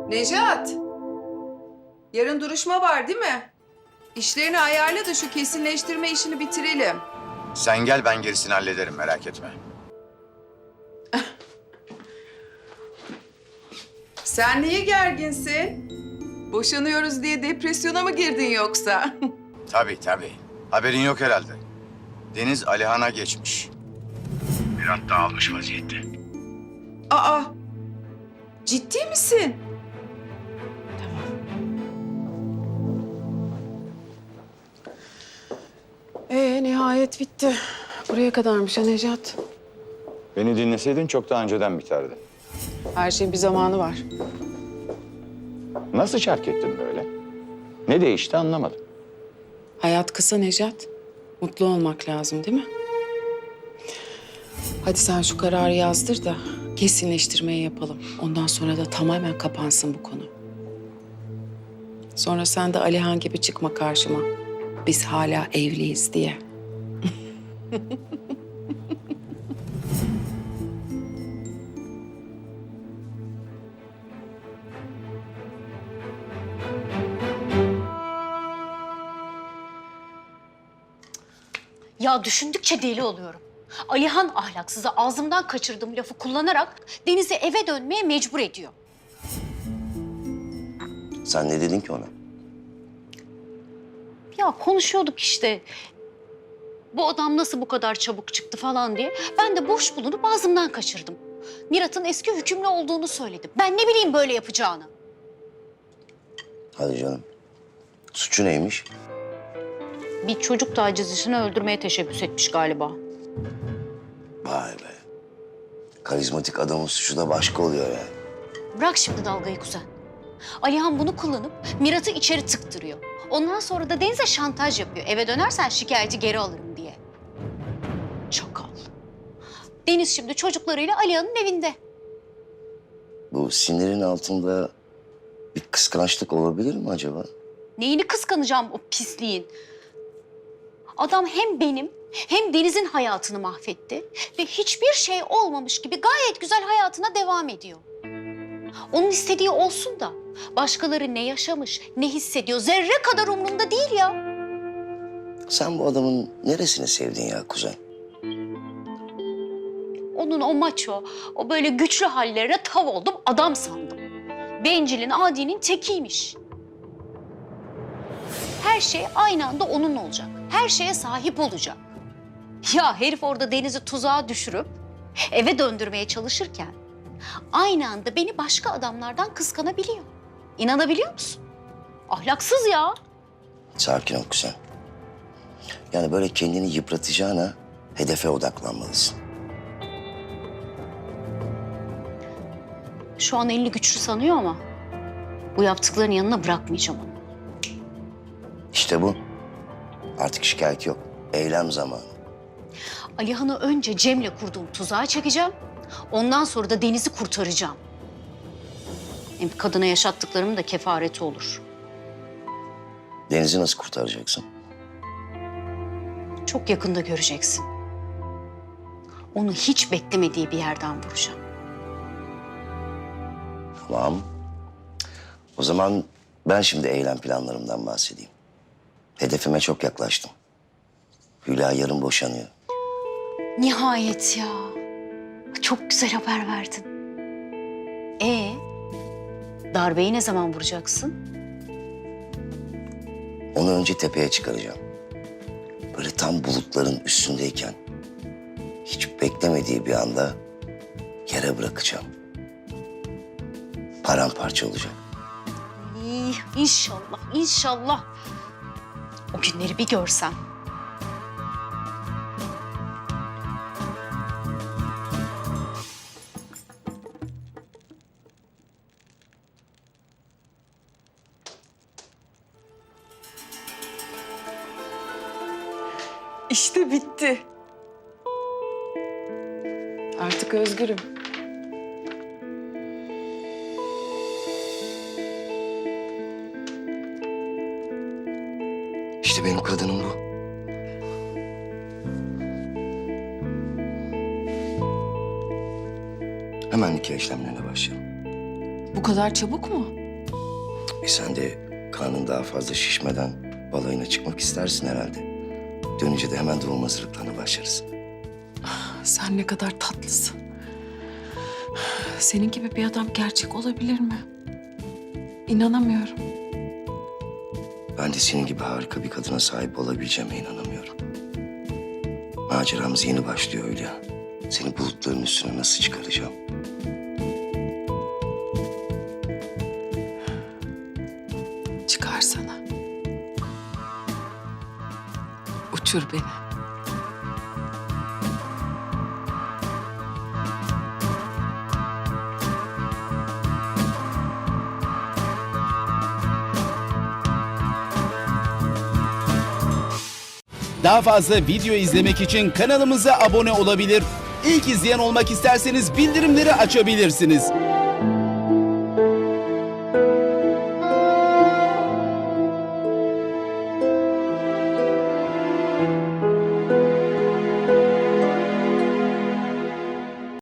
Nejat, yarın duruşma var değil mi? İşlerini ayarla da şu kesinleştirme işini bitirelim. Sen gel, ben gerisini hallederim, merak etme. Sen niye gerginsin? Boşanıyoruz diye depresyona mı girdin yoksa? Tabii. Haberin yok herhalde. Deniz Alihan'a geçmiş. Bir hatta almış vaziyette. Aa, ciddi misin? Nihayet bitti. Buraya kadarmış ha Necat. Beni dinleseydin çok daha önceden biterdi. Her şeyin bir zamanı var. Nasıl çark ettin böyle? Ne değişti anlamadım. Hayat kısa Necat. Mutlu olmak lazım değil mi? Hadi sen şu kararı yazdır da kesinleştirmeyi yapalım. Ondan sonra da tamamen kapansın bu konu. Sonra sen de Alihan gibi çıkma karşıma. Biz hala evliyiz diye. Ya düşündükçe deli oluyorum. Alihan ahlaksızı ağzımdan kaçırdığım lafı kullanarak Deniz'i eve dönmeye mecbur ediyor. Sen ne dedin ki ona? Ya konuşuyorduk işte. Bu adam nasıl bu kadar çabuk çıktı falan diye. Ben de boş bulunup ağzımdan kaçırdım. Mirat'ın eski hükümlü olduğunu söyledim. Ben ne bileyim böyle yapacağını. Hadi canım. Suçu neymiş? Bir çocuk tacizcisini öldürmeye teşebbüs etmiş galiba. Vay be. Karizmatik adamın suçu da başka oluyor yani. Bırak şimdi dalgayı kuzen. Alihan bunu kullanıp Mirat'ı içeri tıktırıyor. Ondan sonra da Deniz'e şantaj yapıyor. Eve dönersen şikayeti geri alırım diye. Çakal. Deniz şimdi çocuklarıyla Alihan'ın evinde. Bu sinirin altında bir kıskançlık olabilir mi acaba? Neyini kıskanacağım o pisliğin? Adam hem benim hem Deniz'in hayatını mahvetti. Ve hiçbir şey olmamış gibi gayet güzel hayatına devam ediyor. Onun istediği olsun da başkaları ne yaşamış, ne hissediyor zerre kadar umurumda değil ya. Sen bu adamın neresini sevdin ya kuzen? Onun o maço, o böyle güçlü hallerine tav oldum, adam sandım. Bencilin, adinin tekiymiş. Her şey aynı anda onun olacak. Her şeye sahip olacak. Ya herif orada Deniz'i tuzağa düşürüp eve döndürmeye çalışırken aynı anda beni başka adamlardan kıskanabiliyor. İnanabiliyor musun? Ahlaksız ya. Sakin ol kuzen. Yani böyle kendini yıpratacağına hedefe odaklanmalısın. Şu an elini güçlü sanıyor ama bu yaptıklarının yanına bırakmayacağım onu. İşte bu. Artık şikayet yok. Eylem zamanı. Alihan'ı önce Cem'le kurduğum tuzağa çekeceğim. Ondan sonra da Deniz'i kurtaracağım. Hem kadına yaşattıklarımın da kefareti olur. Deniz'i nasıl kurtaracaksın? Çok yakında göreceksin. Onu hiç beklemediği bir yerden vuracağım. Tamam. O zaman ben şimdi eylem planlarımdan bahsedeyim. Hedefime çok yaklaştım. Hülya yarın boşanıyor. Nihayet ya. Çok güzel haber verdin. Darbeyi ne zaman vuracaksın? Onu önce tepeye çıkaracağım. Böyle tam bulutların üstündeyken hiç beklemediği bir anda yere bırakacağım. Paramparça olacak. İnşallah, inşallah. O günleri bir görsem. İşte bitti. Artık özgürüm. İşte benim kadınım bu. Hemen nikah işlemlerine başlayalım. Bu kadar çabuk mu? Sen de karnın daha fazla şişmeden balayına çıkmak istersin herhalde. Dönünce de hemen doğum hazırlıklarına başlarız. Sen ne kadar tatlısın. Senin gibi bir adam gerçek olabilir mi? İnanamıyorum. Ben de senin gibi harika bir kadına sahip olabileceğime inanamıyorum. Maceramız yeni başlıyor Hülya. Seni bulutların üstüne nasıl çıkaracağım? Çıkarsana. Uçur beni. Daha fazla video izlemek için kanalımıza abone olabilir. İlk izleyen olmak isterseniz bildirimleri açabilirsiniz.